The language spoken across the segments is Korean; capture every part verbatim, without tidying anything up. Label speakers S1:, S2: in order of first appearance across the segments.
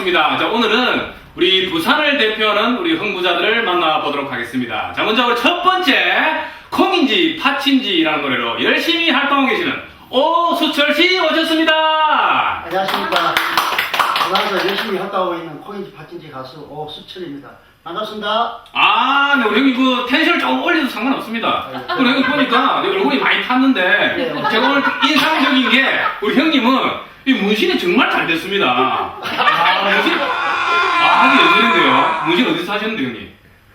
S1: 반갑습니다. 자, 오늘은 우리 부산을 대표하는 우리 흥부자들을 만나보도록 하겠습니다. 자, 먼저 우리 첫 번째, 콩인지 팥인지라는 노래로 열심히 활동하고 계시는 오수철씨 오셨습니다.
S2: 안녕하십니까. 부산에서 열심히 활동하고 있는 콩인지 팥인지 가수 오수철입니다. 반갑습니다.
S1: 아, 네, 우리 형님 그 텐션을 조금 올려도 상관없습니다. 우리 형님 보니까 내 얼굴이 많이 탔는데
S2: 네.
S1: 제가 오늘 인상적인 게 우리 형님은 이 문신이 정말 잘 됐습니다. 아, 문신, 아, 이게 예술인데요. 문신 어디서 하셨는데, 형님?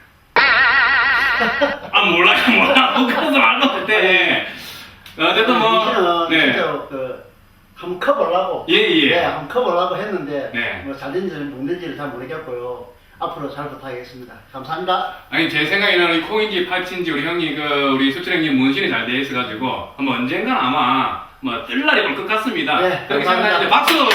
S1: 아, 몰라요, 몰라. 못 가서 말도 못해. 어쨌든 뭐,
S2: 문신은
S1: 네.
S2: 진짜 그 한번 커보려고
S1: 예, 예.
S2: 네, 한번 커보려고 했는데
S1: 네.
S2: 뭐 잘된지는 못된지를 잘 모르겠고요. 앞으로 잘 부탁하겠습니다. 감사합니다.
S1: 아니, 제 생각에는 이 콩인지 팥인지 우리 형님, 그, 우리 수철 형님 문신이 잘 돼 있어가지고, 한번 언젠간 아마, 뭐, 뜰 날이 올 것 같습니다.
S2: 네,
S1: 그렇게
S2: 감사합니다.
S1: 생각하시죠. 박수!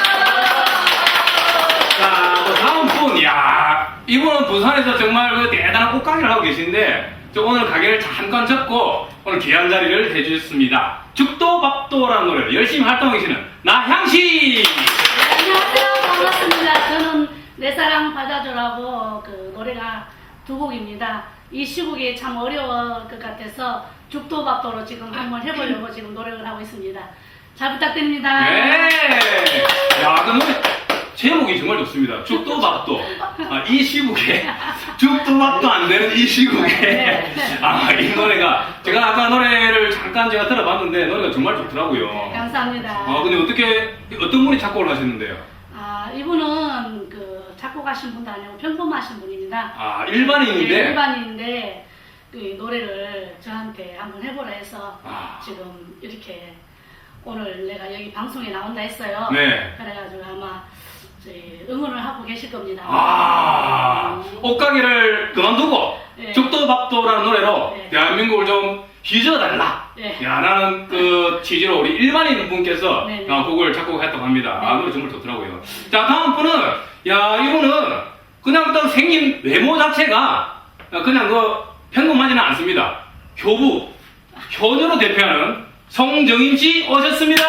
S1: 자, 또 다음 분, 야 이분은 부산에서 정말 그 대단한 옷가게를 하고 계신데, 저 오늘 가게를 잠깐 접고, 오늘 귀한 자리를 해주셨습니다. 죽도밥도라는 노래를 열심히 활동하고 계시는 나향씨!
S3: 안녕하세요. 반갑습니다. 저는 내 사랑 받아줘라고 그 노래가 두 곡입니다. 이 시국이 참 어려울 것 같아서 죽도밥도로 지금 한번 해보려고 지금 노력을 하고 있습니다. 잘 부탁드립니다.
S1: 네! 야, 그 노래, 제목이 정말 좋습니다. 죽도밥도. 아, 이 시국에, 죽도밥도 안 되는 이 시국에. 아, 이 노래가, 제가 아까 노래를 잠깐 제가 들어봤는데, 노래가 정말 좋더라고요.
S3: 네, 감사합니다.
S1: 아, 근데 어떻게, 어떤 분이 작곡을 하셨는데요?
S3: 아, 이분은 그 작곡하신 분도 아니고 평범하신 분입니다.
S1: 아, 일반인인데?
S3: 네, 일반인인데 그 노래를 저한테 한번 해보라 해서
S1: 아.
S3: 지금 이렇게 오늘 내가 여기 방송에 나온다 했어요.
S1: 네.
S3: 그래가지고 아마 저희 응원을 하고 계실 겁니다.
S1: 아, 옷가게를 그만두고,
S3: 네.
S1: 죽도밥도라는 노래로
S3: 네.
S1: 대한민국을 좀 휘저어달라.
S3: 네.
S1: 야, 라는 그 취지로 우리 일반인 분께서
S3: 네, 네.
S1: 아, 곡을 작곡했다고 합니다.
S3: 네.
S1: 아, 노래 정말 좋더라고요. 자, 다음 분은, 야, 이분은 그냥 또 생긴 외모 자체가 그냥 그 평범하지는 않습니다. 효부, 효녀로 대표하는 송정임 씨 오셨습니다.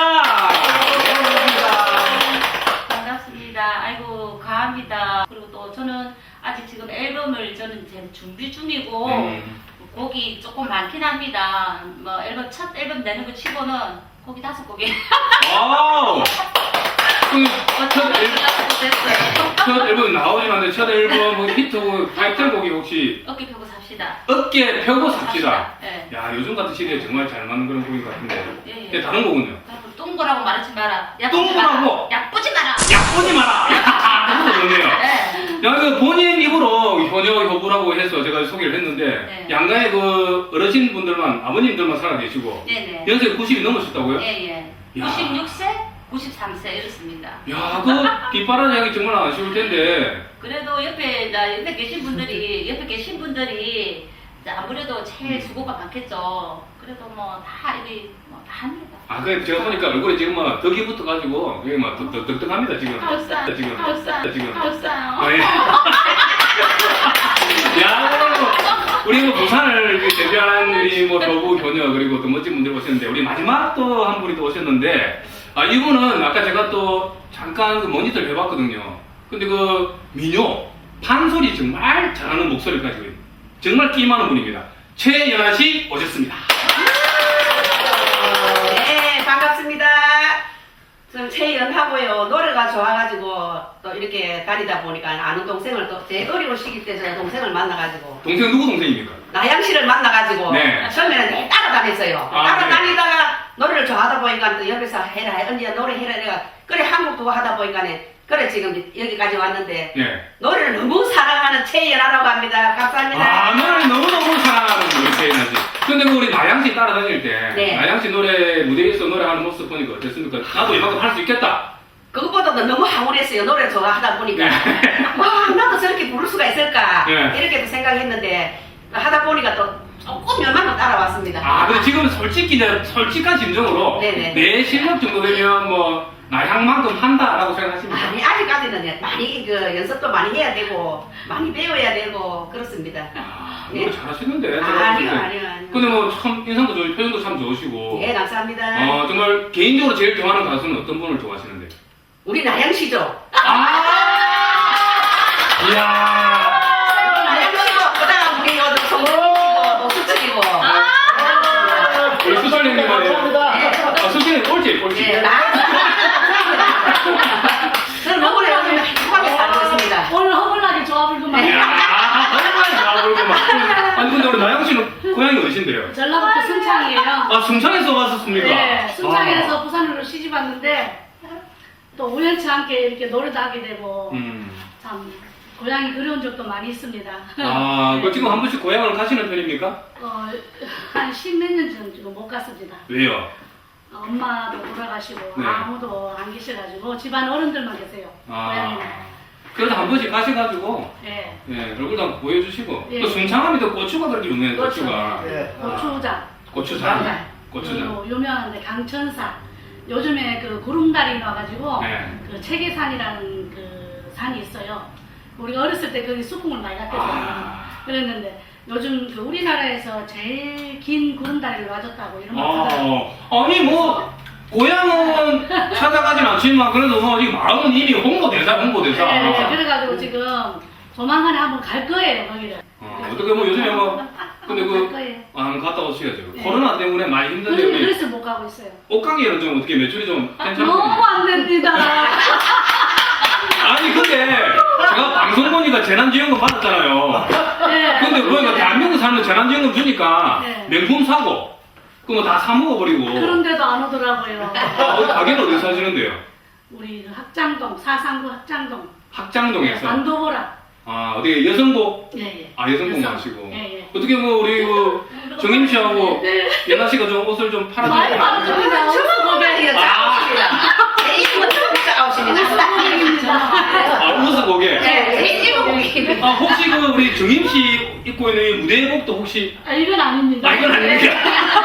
S4: 반갑습니다. 아이고 과합니다. 그리고 또 저는 아직 지금 앨범을 저는 지금 준비 중이고
S1: 음.
S4: 곡이 조금 많긴 합니다. 뭐 앨범 첫 앨범 내는 거 치고는 곡이 다섯 곡이
S1: 와우! 그, 첫,
S4: 어떤
S1: 앨범,
S4: 다섯 곡 됐어요.
S1: 첫 앨범 나오긴 하는데 첫 앨범 히트곡, 타이틀곡이 혹시
S4: 어깨 펴고 삽시다.
S1: 어깨 펴고 삽시다.
S4: 예.
S1: 야, 요즘 같은 시대에 정말 잘 맞는 그런 곡인 것 같은데.
S4: 예, 예.
S1: 근데 다른 곡은요?
S4: 똥거라고 말하지 마라.
S1: 똥거라고?
S4: 약보지 마라.
S1: 약보지 마라! 그것도 좋네요.
S4: 네.
S1: 야, 그 본인 입으로 효녀, 효부라고 해서 제가 소개를 했는데,
S4: 네.
S1: 양가의 그 어르신분들만, 아버님들만 살아계시고,
S4: 네네.
S1: 연세 구십이 넘으셨다고요?
S4: 예예.
S1: 야.
S4: 구십육 세, 구십삼 세 이렇습니다.
S1: 야, 그 뒷바라지 하기 정말 아쉬울 텐데.
S4: 그래도 옆에 나 옆에 계신 분들이 옆에 계신 분들이 이제 아무래도
S1: 음.
S4: 제일 수고가 많겠죠. 그래도 뭐 다 이리 뭐 다 합니다.
S1: 아, 그 제가 보니까 얼굴에 지금 막 덕이 붙어가지고, 이게 막 덕, 덕, 덕덕합니다, 지금.
S4: 감사,
S1: 지금.
S4: 감사,
S1: 지금.
S4: 감사요.
S1: 아, 예. 야, 우리 뭐 부산을 그 대표하는 우리 뭐 효부, 효녀, 그리고 또 멋진 분들 오셨는데, 우리 마지막 또 한 분이 또 오셨는데, 아, 이분은 아까 제가 또 잠깐 그 모니터를 해봤거든요. 근데 그 민요, 판소리 정말 잘하는 목소리를 가지고 있는, 정말 끼 많은 분입니다. 최연아 씨 오셨습니다.
S5: 네, 반갑습니다. 저는 최연하고요. 노래가 좋아가지고 또 이렇게 다니다 보니까 아는 동생을 또 제 어려운 시기 때 제가 동생을 만나가지고
S1: 동생 누구 동생입니까?
S5: 나양 씨를 만나가지고
S1: 네.
S5: 처음에는 내 따라다녔어요.
S1: 아,
S5: 따라다니다가 노래를 좋아하다 보니까 또 옆에서 해라, 언니야 노래 해라 내가 그래 한국 두고 하다 보니까는 그래 지금 여기까지 왔는데
S1: 네.
S5: 노래를 너무 사랑하는 최연아라고 합니다. 감사합니다.
S1: 아, 노래를 너무너무 사랑하는 우리 최연아 씨. 근데 그 우리 나양씨 따라다닐 때,
S5: 네.
S1: 나양씨 노래, 무대에서 노래하는 모습 보니까 어땠습니까? 나도 이만큼 할 수 있겠다.
S5: 그것보다도 너무 황홀했어요. 노래 좋아하다 보니까.
S1: 네.
S5: 와, 나도 저렇게 부를 수가 있을까.
S1: 네.
S5: 이렇게도 생각했는데, 하다 보니까 또 조금 요만큼 따라왔습니다.
S1: 아, 근데 지금 솔직히, 이제 솔직한 심정으로,
S5: 네네.
S1: 내 실력 정도 되면 뭐, 나향만큼 한다라고 생각하십니까?
S5: 아니, 아직까지는 많이, 그, 연습도 많이 해야 되고, 많이 배워야 되고, 그렇습니다.
S1: 아,
S5: 네.
S1: 노래 잘하시는데. 제가
S5: 아니요,
S1: 봤을 때.
S5: 아니요, 아니요.
S1: 근데 뭐, 참, 인상도 좋으시고, 표현도 참 좋으시고.
S5: 예, 감사합니다.
S1: 어, 정말 개인적으로 제일 좋아하는 가수는 어떤 분을 좋아하시는데?
S5: 우리 나양 씨죠?
S1: 아! 이야.
S5: 그다가 우리 어디 성공이고 수철이고.
S1: 우리 수설님이
S2: 감사합니다.
S1: 아, 수설님 꼴찌, 꼴찌.
S5: 예, 나. 저는 너무나 요즘 행복하게 살고 있습니다.
S3: 오늘 허물나게 조합을구만.
S1: 이야, 정말 좋아보구만. 아니, 근데 우리 나영 씨는 고향이 어디신데요?
S3: 전라북도 순창이에요.
S1: 아, 순창에서 왔었습니까?
S3: 네, 순창에서
S1: 아.
S3: 부산으로 시집 왔는데 또 우연치 않게 이렇게 노래도 하게 되고
S1: 음.
S3: 참 고향이 그리운 적도 많이 있습니다.
S1: 아, 그
S3: 네.
S1: 지금 한 번씩 고향을 가시는 편입니까?
S3: 어, 한 십몇 년 전 지금 못 갔습니다.
S1: 왜요?
S3: 어, 엄마도 돌아가시고
S1: 네.
S3: 아무도 안 계셔가지고 집안 어른들만 계세요. 고향에는.
S1: 아. 그래도 한 번씩 가셔가지고,
S3: 네.
S1: 예, 얼굴도 한번 보여주시고.
S3: 예.
S1: 또 순창하면 또 고추가 그렇게 유명해요,
S3: 그렇죠.
S1: 고추가.
S2: 예.
S3: 고추장.
S1: 고추장. 고추장.
S3: 그리고 유명한데 강천산. 요즘에 그 구름다리 나와가지고
S1: 네.
S3: 그 체계산이라는 그 산이 있어요. 우리가 어렸을 때 거기 수풍을 많이 갔거든요.
S1: 아.
S3: 그랬는데 요즘 그 우리나라에서 제일 긴 구름다리를 놔줬다고 이런 거 하더라고요.
S1: 아, 아니 뭐 고향은 찾아가진 않지만 그래도 뭐 지금 마음은 이미 홍보대사 홍보대사.
S3: 네, 네, 그래가지고 지금 조만간에 한번 갈 거예요 거기를.
S1: 어, 어떻게 뭐 요즘에 뭐 근데
S3: 한번 갈
S1: 그
S3: 거예요.
S1: 아, 갔다 오셔야죠.
S3: 네.
S1: 코로나 때문에 많이 힘든데
S3: 그래서,
S1: 우리
S3: 그래서 못 가고 있어요.
S1: 옷가게는 좀 어떻게 매출이 좀
S3: 아,
S1: 괜찮아요?
S3: 너무 안 됩니다.
S1: 아니 근데 제가 방송 보니까 재난지원금 받았잖아요.
S3: 네.
S1: 근데 보니까 대한민국 사는 재난지원금 주니까
S3: 네.
S1: 명품 사고 그거 다 사 먹어버리고.
S3: 그런데도 안 오더라고요.
S1: 아, 어디 가게는 어디 사시는데요?
S3: 우리 그 학장동 사상구 학장동
S1: 학장동에서.
S3: 안도보라.
S1: 아 어디 여성복?
S3: 예예.
S1: 아 여성복
S3: 여성.
S1: 마시고.
S3: 예, 예.
S1: 어떻게 뭐 우리 그 정임 씨하고 예나 씨가 좀 옷을 좀
S3: 많이
S1: 팔아주세요.
S3: 받아줍니다.
S5: 주먹고개가 짜오십니다. 제일 먼저 짜오십니다.
S1: 아 웃어 보게.
S5: 네, 제일 고기.
S1: 아 혹시 그 우리 정임 씨 입고 있는 이 무대복도 혹시
S3: 아 이건 아닙니다.
S1: 아 이건 아닙니까?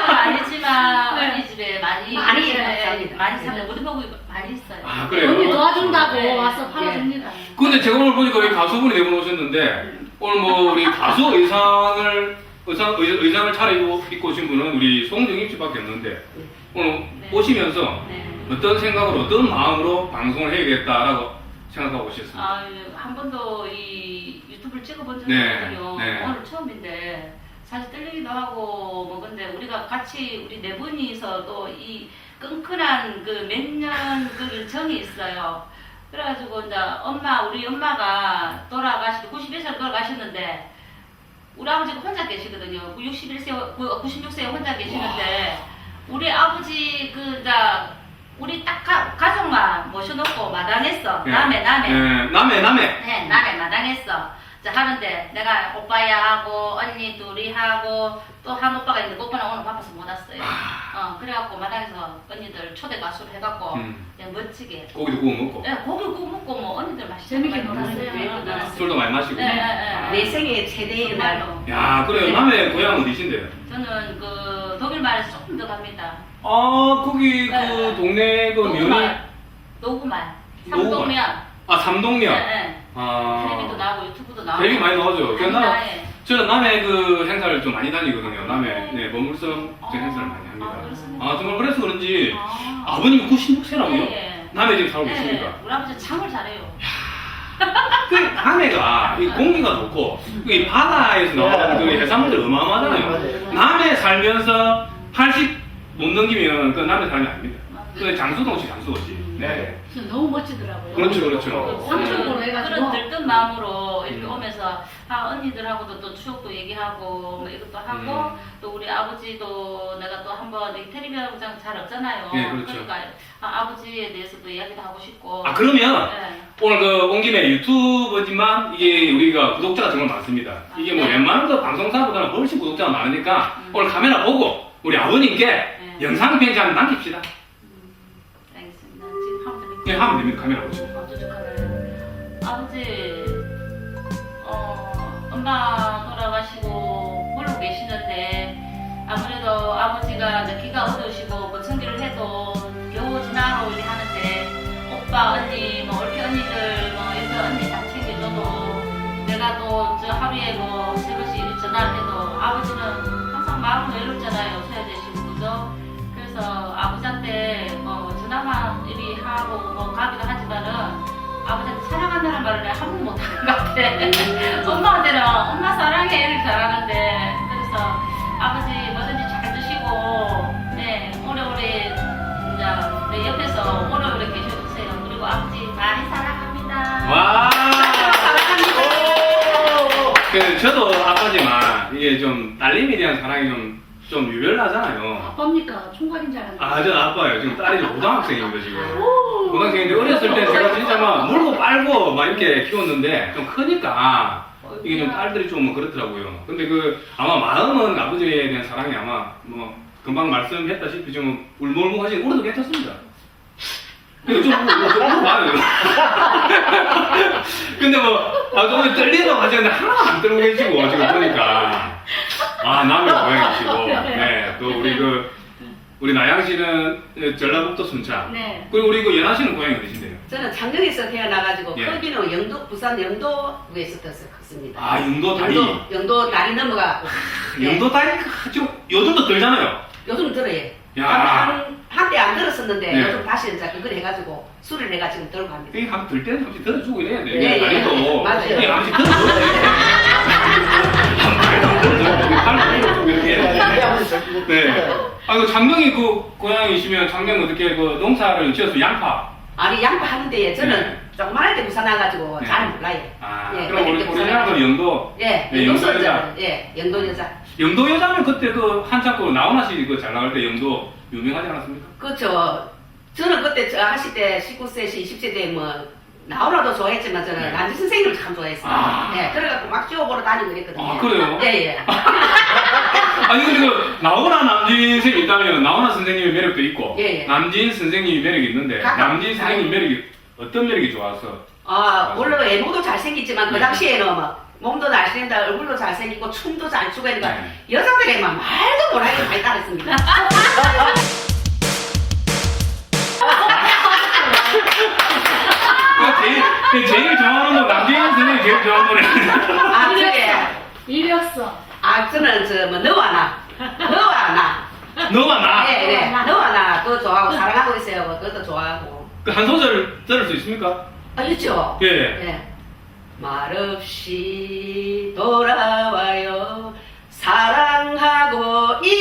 S4: 아니지만
S3: 네.
S4: 언니 집에 많이
S5: 많이
S4: 네,
S5: 삽니다.
S4: 많이 사요. 우리 보고 많이 있어요.
S1: 아
S3: 언니
S1: 그래요?
S3: 도와준다고
S4: 네.
S3: 와서 팔아줍니다.
S1: 근데 제가 오늘 보니까 우리 가수분이 내보내오셨는데 오늘 뭐 우리 가수 의상을 의상 의, 의상을 차려입고 오신 분은 우리 송정임 씨밖에 없는데 오늘
S4: 네.
S1: 오시면서
S4: 네.
S1: 어떤 생각으로 어떤 마음으로 방송을 해야겠다라고 생각하고 오셨습니다.
S4: 아, 한 번도 이 유튜브를 찍어본 적이
S1: 네,
S4: 없거든요.
S1: 네.
S4: 오늘 처음인데 사실 떨리기도 하고 뭐 근데 우리가 같이 우리 네 분이서 또 이 끈끈한 그 몇 년 그 정이 있어요. 그래가지고 이제 엄마 우리 엄마가 돌아가시고 구십일 살 돌아가셨는데 우리 아버지가 혼자 계시거든요. 육십일 세, 구십육 세에 혼자 계시는데 우리 아버지 그 이제 우리 딱 가, 가족만 모셔놓고 마당했어.
S1: 네.
S4: 남해 남해.
S1: 네, 남해 남해.
S4: 네, 남해 마당했어. 자, 하는데 내가 오빠야 하고 언니 둘이 하고 또 한 오빠가 있는데 그 오빠는 오늘 바빠서 못 왔어요. 어, 그래갖고 마당에서 언니들 초대 가수를 해갖고
S1: 음.
S4: 그냥 멋지게.
S1: 고기도 구워 먹고
S4: 네, 고기 구워 먹고 뭐 언니들 맛있게
S3: 재밌게
S4: 먹고
S3: 놀았어요.
S4: 네, 놀았어요.
S1: 술도 많이 마시고.
S4: 네, 네, 네.
S5: 내 생애 최대의 날.
S4: 정말로.
S1: 야 그래요. 남해 고향 어디신데요?
S4: 저는 그 독일 말에서 조금 더 갑니다.
S1: 아 거기 그
S4: 네.
S1: 동네 그 면이
S4: 노구말. 노구말.
S1: 노구말.
S4: 삼동면.
S1: 아 삼동면.
S4: 네, 네.
S1: 아
S4: 텔레비도 나오고 유튜브도 나오고.
S1: 되게 많이 나오죠.
S4: 많이
S1: 나-
S4: 나와요.
S1: 저는 남해 그 행사를 좀 많이 다니거든요. 남해
S4: 네.
S1: 네 머물섬
S4: 아,
S1: 그 행사를 많이 합니다.
S4: 아, 그렇습니까?
S1: 아 정말 그래서 그런지
S4: 아.
S1: 아버님 구십육 세라고요?
S4: 예, 예.
S1: 남해 지금 살고
S4: 네,
S1: 있습니까?
S4: 우리 아버지 참을 잘해요.
S1: 그 남해가 이 공기가 좋고 이 바다에서 나오는 그 해산물들 어마어마하잖아요.
S2: 맞아요.
S1: 남해 살면서 팔십 못 넘기면 그 남해 사람이 아닙니다. 그 장수동시 장수도시. 네.
S3: 진짜 너무 멋지더라고요.
S1: 그렇죠, 그렇죠.
S3: 삼촌으로
S1: 네.
S3: 해가지고
S4: 그런 들뜬 마음으로 이렇게
S1: 음.
S4: 오면서 아 언니들하고도 또 추억도 얘기하고 뭐 이것도 하고
S1: 음.
S4: 또 우리 아버지도 내가 또 한번 이 텔레비전 잘 없잖아요.
S1: 네, 그렇죠.
S4: 러니까 아, 아버지에 대해서도 이야기도 하고 싶고.
S1: 아 그러면
S4: 네.
S1: 오늘 그 온 김에 유튜브지만 이게 우리가 구독자가 정말 많습니다. 이게 뭐
S4: 네.
S1: 웬만한 그 방송사보다는 훨씬 구독자가 많으니까
S4: 음.
S1: 오늘 카메라 보고 우리 아버님께
S4: 네.
S1: 영상 편지 한번 남깁시다.
S4: 음, 알겠습니다. 지금 하면 됩니까?
S1: 네, 하면 됩니다. 카메라 보시고.
S4: 어쩌죠 카메라. 아버지, 어, 엄마 돌아가시고 모르고 계시는데 아무래도 아버지가 이제 귀가 어두우시고 보청기를 해도 겨우 지나로 이렇게 하는데 오빠 언니 뭐 이렇게 언니들 뭐 이렇게 언니 다 챙겨줘도 내가 또 저 하루에 뭐 세 번씩 이렇게 전화를 해도 아버지는 항상 마음은 외롭잖아요. 소외되시고 그죠? 그래서 아버지한테 뭐 전화만 이리 하고 뭐 가기도 하지만은 아버지한테 사랑한다는 말을 내가 한 번도 못하는 것 같아. 가게 요리 잘하는데 그래서 아버지 뭐든지 잘 드시고 네 오래오래 그냥 내 옆에서 오래오래 계셔주세요. 그리고 아버지 많이 사랑합니다.
S1: 와. 그 저도 아빠지만 이게 좀 딸님에 대한 사랑이 좀, 좀 유별나잖아요.
S3: 아빠입니까? 총각인 줄 알았는데.
S1: 아, 전 아빠예요. 지금 딸이 고등학생입니다, 지금. 고등학생인데 어렸을 때 제가 진짜 막 물고 빨고 막 이렇게 키웠는데 좀 크니까 이게 좀 딸들이 좀 그렇더라고요. 근데 그 아마 마음은 아버지에 대한 사랑이 아마 뭐 금방 말씀했다시피 좀 울먹울먹 하시는 우리도 괜찮습니다. 근데 좀, 뭐, 좀 물어봐요. 근데 뭐, 아, 좀 떨린다고 하셨는데 하나도 안 떨고 계시고, 지금 보니까. 아, 남의 고향이시고. 네, 또 우리 그, 우리 나양 씨는 전라북도 순창.
S3: 네.
S1: 그리고 우리 그 연하 씨는 고향이 어디신데요?
S5: 저는 장경에서 태어나가지고
S1: 예.
S5: 크기는 영도 부산 영도구에서 컸습니다.
S1: 아, 영도 다리.
S5: 영도, 영도 다리 넘어가고.
S1: 영도 다리, 좀, 요즘도 들잖아요.
S5: 요즘 들어요.
S1: 야.
S5: 한, 한때 안 들었었는데
S1: 네.
S5: 요즘 다시 이제 그걸 해가지고 술을 내가 지금 들고 갑니다.
S1: 이게 한번 들 때는 잠시 들어주고 이래야 돼.
S5: 예, 예.
S1: 다리도.
S5: 맞아요.
S1: 이게 잠시 들어줘야 돼. 말도 안 들어줘야 돼. 팔을 들어주고 이렇게. 네. 아, 그 장명이 그 고향이시면 장명 어떻게 그 농사를 지어서 양파.
S5: 아니 양파 하는데 저는
S1: 네.
S5: 조그만할 때 부산 와가지고
S1: 네.
S5: 잘 몰라요.
S1: 아,
S5: 예,
S1: 그럼 우리
S5: 그때
S1: 우리
S5: 부산
S1: 누나는 영도.
S5: 예,
S1: 네,
S5: 영도
S1: 영도 여자.
S5: 여자. 예, 영도 여자.
S1: 영도 여자면 그때 그 한참 그 나훈아 씨 그 잘 나갈 때 영도 유명하지 않았습니까?
S5: 그렇죠. 저는 그때 저 하실 때 십구 세, 이십 세 때 뭐 나오라도 좋아했지만 저는
S1: 네.
S5: 남지 선생님을 참 좋아했어요.
S1: 아.
S5: 예, 그래갖고 막 지워보러 다니고 이랬거든요.
S1: 아, 그래요?
S5: 예, 예.
S1: 아니 근데 그 나훈아 남진 선생님 있다면 나훈아 선생님의 매력도 있고
S5: 예, 예.
S1: 남진 선생님의 매력이 있는데
S5: 각각
S1: 남진 선생님 매력이 어떤 매력이 좋아서?
S5: 아,
S1: 맞아요.
S5: 물론 외모도 잘생겼지만 그
S1: 네.
S5: 당시에는 막 몸도 잘생긴다, 얼굴도 잘생기고 춤도 잘 추고 이러니까
S1: 네.
S5: 여자들에만 말도 못하게 많이 따랐습니다.
S1: 그 제일, 그 제일 좋아하는 거 남진 선생님이 제일 좋아하는 노래.
S5: 아, 그게
S3: 이력서.
S5: 아, 저는 저뭐 너와 나, 너와 나.
S1: 너와 나.
S5: 네, 네. 너와 나 그거 좋아하고 사랑하고 있어요. 그것도 좋아하고.
S1: 그 한 소절 들을 수 있습니까?
S5: 아, 있죠?
S1: 예.
S5: 예. 말없이 돌아와요. 사랑하고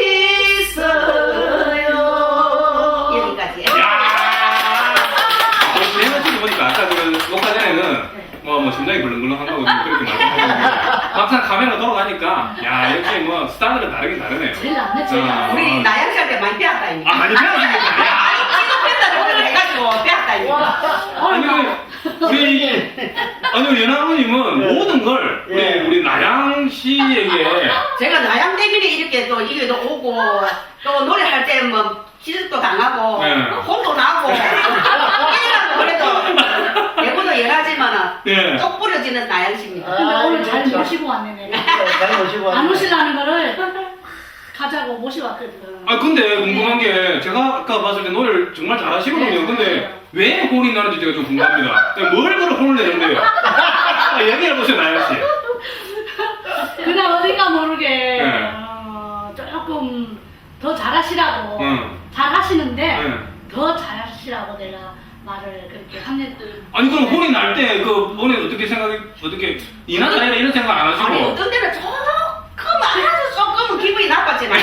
S5: 있어요. 여기까지.
S1: 야. 제가 지금 보니까 아까 그 녹화 전에는 뭐, 뭐 심장이 벌렁벌렁한다고 그렇게 말씀하셨는데 막상 카메라 돌아가니까 야 역시 뭐 스타들은 다르긴 다르네요.
S3: 제일 안 냈죠.
S1: 아.
S5: 우리 나양 씨한테 많이 빼앗다, 이미.
S1: 아 많이 배웠습니다. 야.
S5: 찍어뺀다고 해가지고 빼앗다, 이미.
S1: 아니 그 우리 아니 우리 연하부님은
S2: 예.
S1: 모든 걸 우리
S2: 예.
S1: 우리 나양 씨에게
S5: 제가 나양 대비를 이렇게 또 이게도 오고 또 노래할 때 뭐 지적도 당하고
S1: 네.
S5: 혼도 나고 이라고 그래도 내보다 연하지만은
S1: 예.
S5: 똑 부러지는 나양 씨입니다.
S3: 근데
S2: 아,
S3: 오늘 잘
S2: 그렇죠.
S3: 모시고 왔네, 내가.
S2: 잘 모시고
S3: 안
S2: 왔네.
S3: 오시려는 거를 가자고 모셔왔거든.
S1: 아 근데 궁금한 게 제가 아까 봤을 때 노래를 정말 잘하시거든요.
S3: 네,
S1: 근데
S3: 맞아요.
S1: 왜 혼이 나는지 제가 좀 궁금합니다. 뭘 그런 혼을 내는데요? 아, 얘기해 보세요, 나양 씨.
S3: 그냥 어딘가 모르게
S1: 네.
S3: 어, 조금 더 잘하시라고
S1: 응.
S3: 잘하시는데
S1: 네.
S3: 더 잘하시라고 내가 말을 그렇게 합니다.
S1: 아니 그럼 혼이 날 때 그 본인 어떻게 생각이 어떻게 이나 저나 이런 생각 안 하시고?
S5: 아니 어떤 때는 조금 아주 조금은 기분이 나빴지만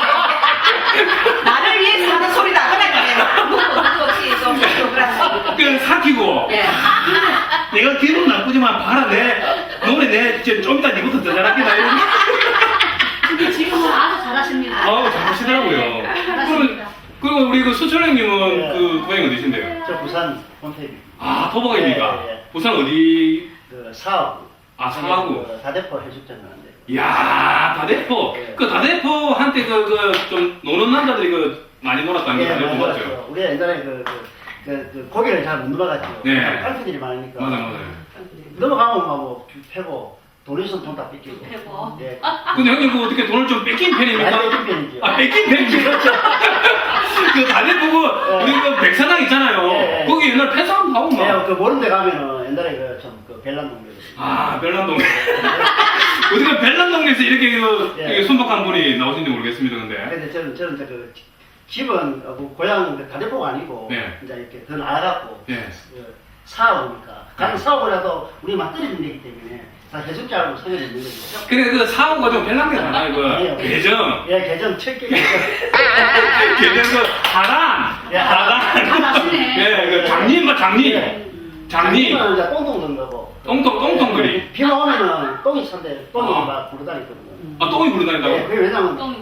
S5: 나를 위해서 하는 소리다 그러니까 묵고 묵고 없이 좀 그렇습니다.
S1: 그 삭히고
S5: 예.
S1: 내가 기분 나쁘지만 봐라 내 노래 내좀 이따 니부터 더 잘하겠다 이런.
S3: 근데 지금은 아주 잘하십니다.
S1: 아우 잘하시더라고요.
S3: 잘하십니다.
S1: 그리고 우리 그 수철 형님은
S2: 네.
S1: 그 고향이 어디신데요?
S2: 저 부산 본태비.
S1: 아 토박입니까?
S2: 예, 예.
S1: 부산 어디?
S2: 그 사업.
S1: 아 사하구.
S2: 그 다대포 해수욕장 가는데.
S1: 이야 다대포.
S2: 네.
S1: 그 다대포 한때 그 그 좀 노는 남자들이 그 많이 놀았다는 거 다대포 맞죠?
S2: 맞아요. 우리가 옛날에 그, 그, 그, 그 고기를 잘 못 넘어갔죠.
S1: 네.
S2: 팔피들이 많으니까.
S1: 맞아 맞아요.
S2: 넘어가면 막뭐 패고 돈에서 돈 다 뺏기고.
S4: 패고.
S2: 예.
S1: 근데 형님 그 어떻게 돈을 좀 뺏긴 편입니까?
S2: 많이 뺏긴 편이죠.
S1: 아 뺏긴 편이죠. 그 다대포 그 우리 그 백사장 있잖아요.
S2: 예, 예.
S1: 거기 옛날 폐사함 하고 막.
S2: 네, 그 모른 데 가면은 옛날에 그좀그 벨란동네.
S1: 아 벨란동네. 어떻게 벨란동네에서 이렇게 그
S2: 예.
S1: 이게 순박한 분이 나오신지 모르겠습니다. 근데.
S2: 근데 저는 저는 이제 그 집은 어, 뭐 고향 그 다대포가 아니고
S1: 네.
S2: 이제 이렇게 더 나아갖고
S1: 예.
S2: 그 사업이니까 가는
S1: 네.
S2: 사업을 해도 우리 막 떨어지면 되기 때문에 다 해석자라고 소개를 있는 거죠.
S1: 근데 그 사고가 좀 별난 게 많아요. 그
S2: 아니요.
S1: 계정.
S2: 예, 계정 첫 개. 계정.
S1: 계정 그 하단.
S2: 예,
S1: 하단.
S3: 하단이네.
S1: 예, 그 장님, 뭐 장님.
S2: 예.
S1: 장님.
S2: 장님은 이제 똥똥 넣는 거고.
S1: 똥똥, 똥똥 그리.
S2: 예, 비가 오면은 똥이 찬데 똥이
S1: 아.
S2: 막 부르다니거든요.
S1: 아, 똥이 부르다닌다고?
S2: 예, 그게 왜냐면
S4: 똥이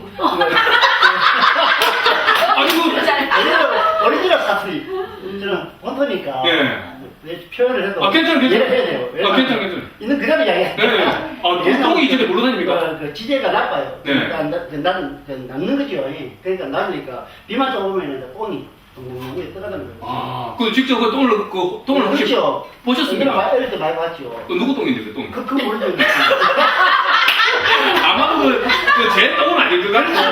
S1: 아니, 그.
S2: 오리지널, 오리지널 사투리. 저는 본토니까.
S1: 예.
S2: 왜 표현을 해도
S1: 아, 괜찮아, 괜찮아.
S2: 이해를 해야 돼요.
S1: 아,
S2: 왜냐면
S1: 괜찮아, 괜찮아.
S2: 있는 그대로 이야기해요.
S1: 네. 아, 그 똥이 집에 모르다닙니까?
S2: 그, 그 지대가 낮아요.
S1: 네.
S2: 그러니까 나- 그 낮은, 그 낮는 거죠. 예. 그러니까 낮으니까 비만 좀 오면 이제 똥이 똥똥똥이 떠가는 거예요.
S1: 아, 그 직접 그 똥을, 그 똥을 혹시
S2: 그렇죠.
S1: 보셨습니까?
S2: 어릴 때 많이 봤죠.
S1: 그 누구 똥인데, 그 똥?
S2: 그, 그거 모르죠.
S1: 아마도 그, 그 제 똥은 아닐 것 같고.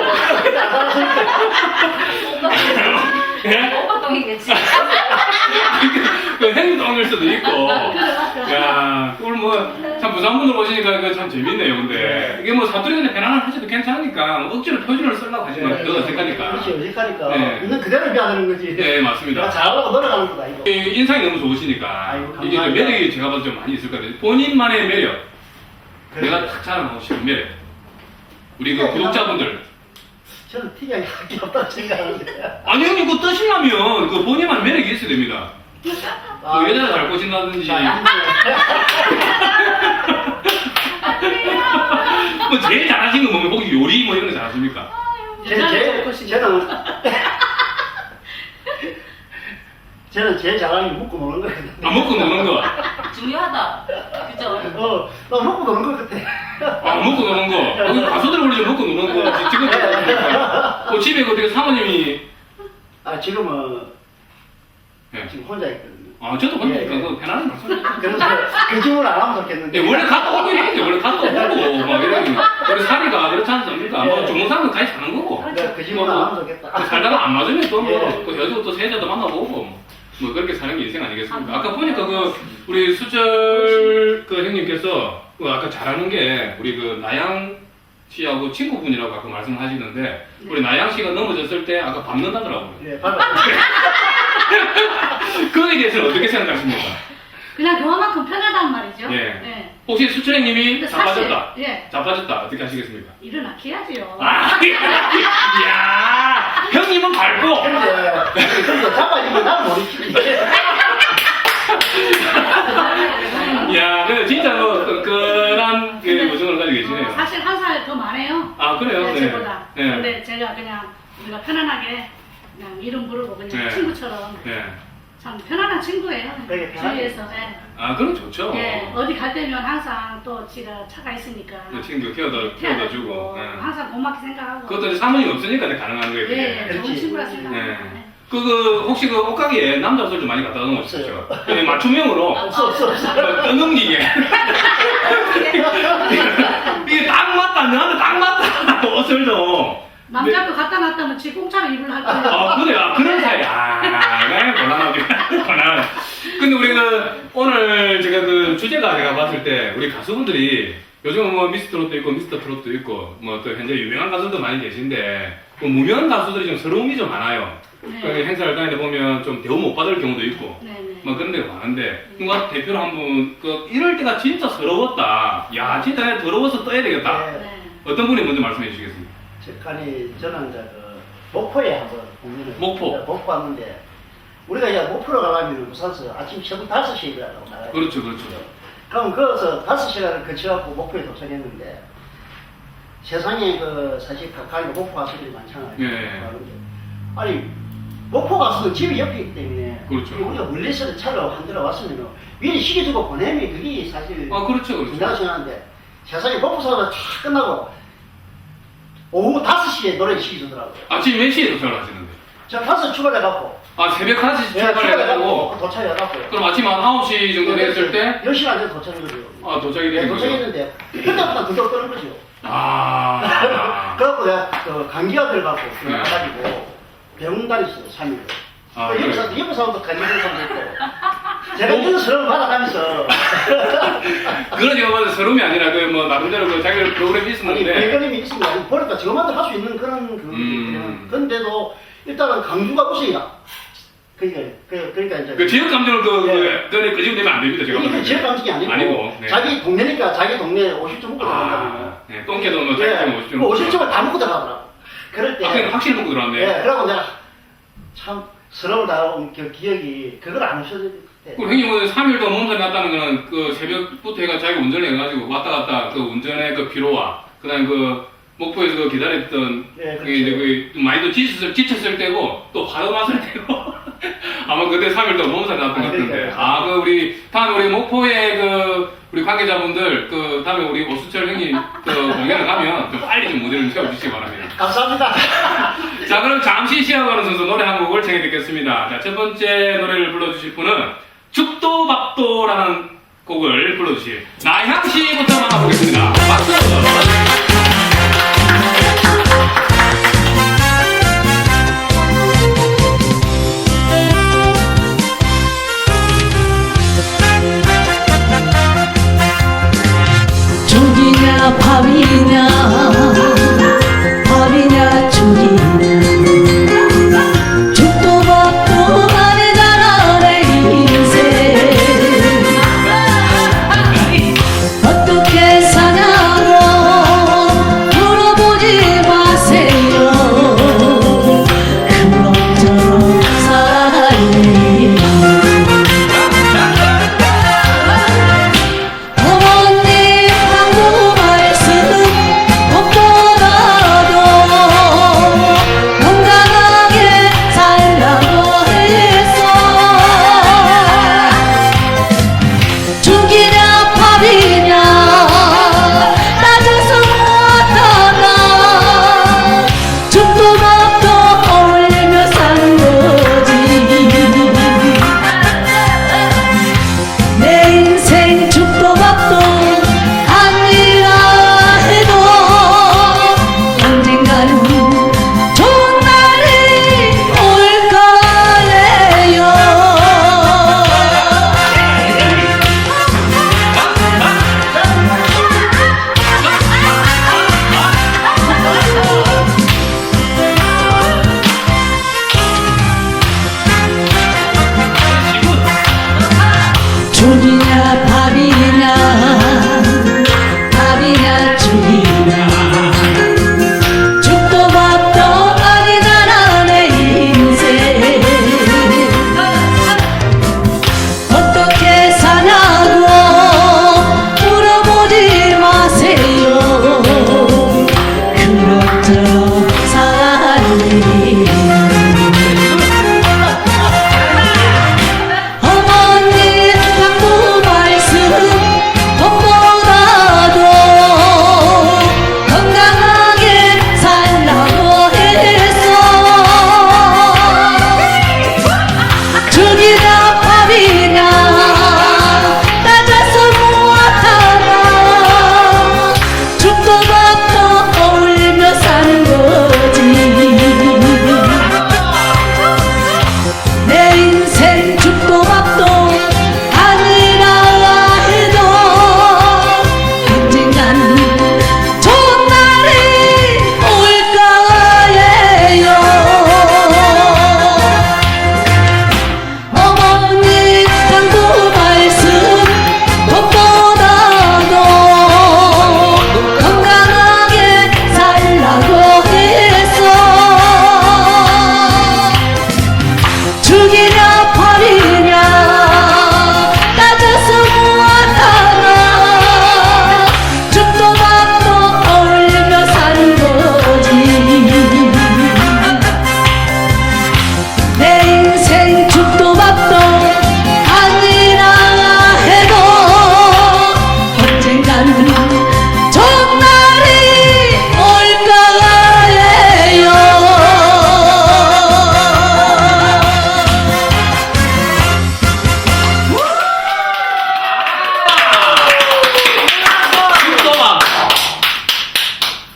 S1: 예?
S4: 오빠 똥이겠지.
S1: 그 행위 똥일 수도 있고.
S3: 그래, 맞아.
S1: 야, 오늘 뭐, 참 부산분들 오시니까 그 참 재밌네요, 근데. 이게 뭐 사투리인데 편안한 하셔도 괜찮으니까, 뭐 억지로 표준을 쓰려고 하시면 더 어색하니까.
S2: 그렇지, 어색하니까.
S1: 네.
S2: 있는 그대로 비하는 거지.
S1: 네, 맞습니다.
S2: 내가 잘하려고 노력하는 거다, 이거.
S1: 이 인상이 너무 좋으시니까.
S2: 아이고,
S1: 이게 좀
S2: 감사합니다.
S1: 매력이 제가 봐도 좀 많이 있을 것 같아요. 본인만의 매력.
S2: 그래.
S1: 내가 탁 자랑하고 싶은 매력. 우리 그
S2: 네,
S1: 구독자분들.
S2: 저는 특이하게 할 게 없다고 생각하는데.
S1: 아니, 형님, 그거 뜨시려면 그 본인만 매력이 있어야 됩니다. 그 여자를 잘 꼬신다든지.
S2: 자,
S1: 뭐 제일 잘하시는 거 보면 혹시 요리 뭐 이런 거 잘하십니까?
S2: 제,
S3: 여자를 잘
S2: 제,
S3: 꼬신다.
S2: 저는 저는 제일 잘하는 게 먹고 노는 거거든요.
S1: 안 먹고 노는 거.
S4: 중요하다. 그죠?
S2: 어, 나 먹고 노는 거 같아.
S1: 아, 먹고 노는 거. 여기 가수들 원래 좀 먹고 노는 거. 지금 어, 집에 그 어떻게 사모님이.
S2: 아, 지금은
S1: 예.
S2: 지금 혼자 있거든요.
S1: 아, 저도 혼자
S2: 예,
S1: 있까
S2: 예.
S1: 그 편안한 말씀.
S2: 그래서 그 질문 안 하면 좋겠는데.
S1: 예, 원래 갔다 오긴 했는데, 원래 갔다 오고, 막 이러니. 우리 사리가 그렇지 않습니까? 뭐,
S2: 예.
S1: 종사는 같이 사는 거고.
S2: 내가 그 질문 안 하면 좋겠다.
S1: 그 살다가 안 맞으면 또 뭐,
S2: 예.
S1: 그 여자도 또 세자도 만나보고, 뭐, 그렇게 사는 게 인생 아니겠습니까? 아까 보니까 그, 우리 수절 그 형님께서, 그 아까 잘하는 게, 우리 그 나양 씨하고 친구분이라고 아까 말씀하시는데, 우리 나양 씨가 넘어졌을 때 아까 밟는다더라고요.
S2: 예, 봐봐.
S1: 그거에 대해서는 어떻게 생각하십니까?
S3: 그냥 그만큼 편하단 말이죠.
S1: 예.
S3: 네.
S1: 혹시 수철 형님이
S3: 근데 사실,
S1: 자빠졌다.
S3: 예.
S1: 자빠졌다. 어떻게 하시겠습니까?
S3: 일어나켜야지요.
S1: 아, 이야, 형님은 밟고.
S2: 근데, 근데 자빠지면 나는 모르지.
S1: 이야, 근데 진짜 뭐, 끈끈한 그 모습을 가지고 계시네요.
S3: 어, 사실 한 살 더 많아요.
S1: 아, 그래요?
S3: 네,
S1: 네.
S3: 저보다.
S1: 네.
S3: 근데 제가 그냥 우리가 편안하게 그냥 이름 부르고 그냥
S1: 네.
S3: 친구처럼
S1: 네.
S3: 참 편안한 친구예요.
S2: 되게 편하게.
S3: 주위에서. 네.
S1: 아, 그럼 좋죠.
S3: 예, 어디 갈 때면 항상 또 지가 차가 있으니까
S1: 그 친구 키워다, 키워다 주고. 네.
S3: 항상 고맙게 생각하고.
S1: 그것도 이제 사모님 없으니까 가능한 거예요. 그게.
S3: 예, 예, 좋은
S2: 그렇지.
S3: 친구라 생각합니다.
S1: 네.
S3: 네.
S1: 그, 그, 혹시 그 옷가게에 남자 옷을 좀 많이 갖다 놓으셨죠? 그 맞춤형으로.
S2: 없어, 없어, 없어.
S1: 떠넘기게. 이게 딱 맞다, 너한테 딱 맞다. 옷을 좀.
S3: 남자 거 갖다 놨다면 지 공짜로 입을 할 거예요.
S1: 아, 그래, 아, 그런 사이. 아, 네, 곤란하죠. 곤란. 근데 우리 그, 오늘 제가 그 주제가 제가 봤을 때, 우리 가수분들이 요즘은 뭐 미스트롯도 있고, 미스터 트롯도 있고, 뭐 또 현재 유명한 가수도 많이 계신데, 그 무명한 가수들이 좀 서러움이 좀 많아요.
S3: 네.
S1: 그 행사를 다니다 보면 좀 대우 못 받을 경우도 있고,
S3: 네, 네.
S1: 뭐 그런 데가 많은데, 누가 대표로 한 분, 그, 이럴 때가 진짜 서러웠다. 야, 진짜 내가 더러워서 떠야 되겠다.
S2: 네.
S3: 네.
S1: 어떤 분이 먼저 말씀해 주시겠습니까?
S2: 저, 아니, 저는 이제 그, 목포에 한번 공연을.
S1: 목포.
S2: 이제 목포 왔는데, 우리가 이제 목포로 가려면 부산서 아침 새벽 다섯 시에 일어나고 나가요.
S1: 그렇죠, 그렇죠.
S2: 그럼 거기서 다섯 시간을 거쳐갖고 목포에 도착했는데, 세상에 그, 사실 가까이 목포 가수들이 많잖아요.
S1: 예.
S2: 아니, 목포 가수는 집이 옆이기 때문에,
S1: 그렇죠.
S2: 우리가 멀리서 차로 한 대로 왔으면, 미리 시켜주고 보내면 그게 사실,
S1: 아, 그렇죠, 그렇죠.
S2: 된다고 생각하는데, 세상에 목포 사가 쫙 끝나고, 오후 다섯 시에 노래 시켜주더라고요.
S1: 아침 몇 시에 도착을 하시는데?
S2: 저 다섯 출발해갖고,
S1: 아, 새벽 한 시
S2: 예,
S1: 출발해가지고,
S2: 출발해갖고 도착해갖고,
S1: 그럼 아침 한 아홉 시 정도 됐을 때,
S2: 열 시간 전에 도착했거든요.
S1: 아, 도착이
S2: 네,
S1: 되는 거죠?
S2: 도착했는데, 그때부터 그걸 끄는 거죠.
S1: 아.
S2: 그래갖고 내가 그 감기가 들어갖고,
S1: 네.
S2: 가가지고, 병원 다녔어요, 삼 일.
S1: 아,
S2: 그 옆에
S1: 그래요?
S2: 사람도, 옆에 사람도 감기 든 사람도 있고, 제가 이런 서름 받아가면서,
S1: 그런 제가 봐도 서름이 아니라, 그, 뭐, 나름대로 그 자기 프로그램이
S2: 아니,
S1: 있었는데,
S2: 배경임이 있습니다. 아니, 보니까 저만도 할 수 있는 그런, 그,
S1: 음.
S2: 그런데도, 일단은 강주가 우세요. 그러니까 그, 그러니까 이제
S1: 그 지역 감정을 그,
S2: 예.
S1: 그 전에 끄집어내면 안 됩니다. 제가
S2: 이게
S1: 봤을 때.
S2: 지역 감정이 아니고,
S1: 아니고, 네.
S2: 자기 동네니까 자기 동네 오십 점 먹고 들어간다고.
S1: 아, 네. 똥개도 뭐 자기 똥 오십 점.
S2: 오십 점을 다 먹고 들어가더라고. 그럴 때.
S1: 아, 그냥 확실히 먹고 들어왔네.
S2: 예, 그러고 내가 참 서러움을 당하고 그 기억이 그걸 안 없어질 때.
S1: 그 형님은 삼 일도 몸살이 났다는 거는 그 새벽부터 해가 자기 운전을 해가지고 왔다 갔다 그 운전의 그 피로와 그다음 그 목포에서 그 기다렸던
S2: 예, 그렇죠.
S1: 그 이제 그 많이도 지쳤을, 지쳤을 때고 또 바로 맛을 때고 아마 그때 삼 일 동안 몸살이 났던 것
S2: 아,
S1: 같은데
S2: 그러니까요.
S1: 아 그 우리 다음에 우리 목포의 그 우리 관계자분들 그 다음에 우리 오수철 형님 그 공연을 가면 좀 빨리 좀 무대를 채워주시기 바랍니다.
S2: 감사합니다.
S1: 자 그럼 잠시 쉬어가는 선수 노래 한 곡을 청해 듣겠습니다. 자 첫 번째 노래를 불러주실 분은 죽도밥도라는 곡을 불러주실 나향 씨부터 만나보겠습니다. 박수!
S6: 죽이냐 밥이냐 밥이냐 죽이냐 죽도 밥도 아니잖아 내 인생 어떻게 사냐고 물어보지 마세요 그럭저럭 살아요 어머님 방구 말씀 못보다도 건강하게 살라고 했어 죽이냐 밥이냐 따져서 못하나 죽도 밥도 올리며 사는 거지 내 인생 죽도 밥도 아니라 해도 언젠가는 좋은 날이 올 거예요 죽이냐